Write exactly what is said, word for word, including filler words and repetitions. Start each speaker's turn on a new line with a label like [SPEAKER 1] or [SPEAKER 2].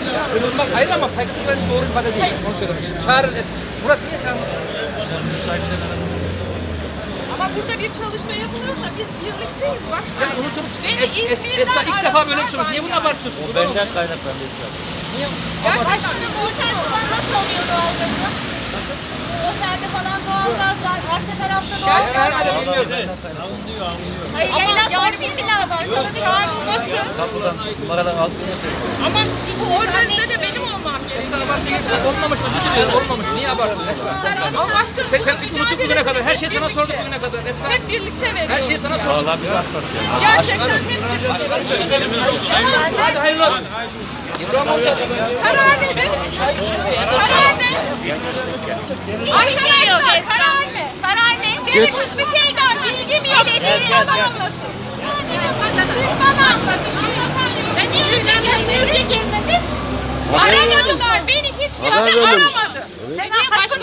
[SPEAKER 1] Kırılmak ayrı ama saygısızlık bence doğru ifade değil. Onu söylemek istiyorum. Çağırın Esra. Murat niye çağırmadın?
[SPEAKER 2] Ama burada bir çalışma yapılıyorsa biz birlikteyiz
[SPEAKER 1] Ya
[SPEAKER 2] başkanım.
[SPEAKER 1] unutulmuş.
[SPEAKER 2] Beni
[SPEAKER 1] Es, es,
[SPEAKER 2] İzmir'den
[SPEAKER 1] Esra ilk defa böyle bir şey
[SPEAKER 2] aradılar
[SPEAKER 1] oldu. Niye bunu
[SPEAKER 2] yani.
[SPEAKER 1] abartıyorsun?
[SPEAKER 3] O benden kaynaklandı Esra.
[SPEAKER 1] Niye?
[SPEAKER 2] Gerçekten
[SPEAKER 4] Bu otelde nasıl oluyor doğalgazı? Bu otelde falan doğalgaz var, arka tarafta
[SPEAKER 1] Şaş
[SPEAKER 4] doğalgaz var.
[SPEAKER 1] vermeden bilmiyorum.
[SPEAKER 3] Anlıyor, anlıyor.
[SPEAKER 4] Hayır,
[SPEAKER 2] Ama
[SPEAKER 4] yayılan
[SPEAKER 2] yani
[SPEAKER 4] farklı bir lazım.
[SPEAKER 2] Yok, çağrılması.
[SPEAKER 3] Kapıdan, numaradan altına yapıyor.
[SPEAKER 2] Ama bu organize de benim olmam gerekiyor.
[SPEAKER 1] Esra abartıya gitme. Olmamış özür diliyorum. Olmamış. Niye abartın Esra?
[SPEAKER 2] Allah aşkına.
[SPEAKER 1] Sen, sen hiç
[SPEAKER 2] mücadele
[SPEAKER 1] unuttuk bugüne kadar. Her şey sana
[SPEAKER 2] edemedik
[SPEAKER 1] sorduk
[SPEAKER 2] ki.
[SPEAKER 1] bugüne kadar. Esra.
[SPEAKER 2] Hep birlikte veriyoruz.
[SPEAKER 1] Her şeyi sana sorduk.
[SPEAKER 3] Valla biz atlattık.
[SPEAKER 2] Gerçekten hep birlikte.
[SPEAKER 1] Hadi hayırlı olsun. İbrahim amca.
[SPEAKER 2] Karar nedir? Karar ne? Arkadaşlar karar ne?
[SPEAKER 4] Karar ne?
[SPEAKER 2] Benim hiçbir şeyden bilgim yok. Belediye anlasın.
[SPEAKER 4] Sadece bana, siz bana anlat bir şey. Ben niye önce gelmedim?
[SPEAKER 2] Aramadılar. Beni hiç kimse aramadı.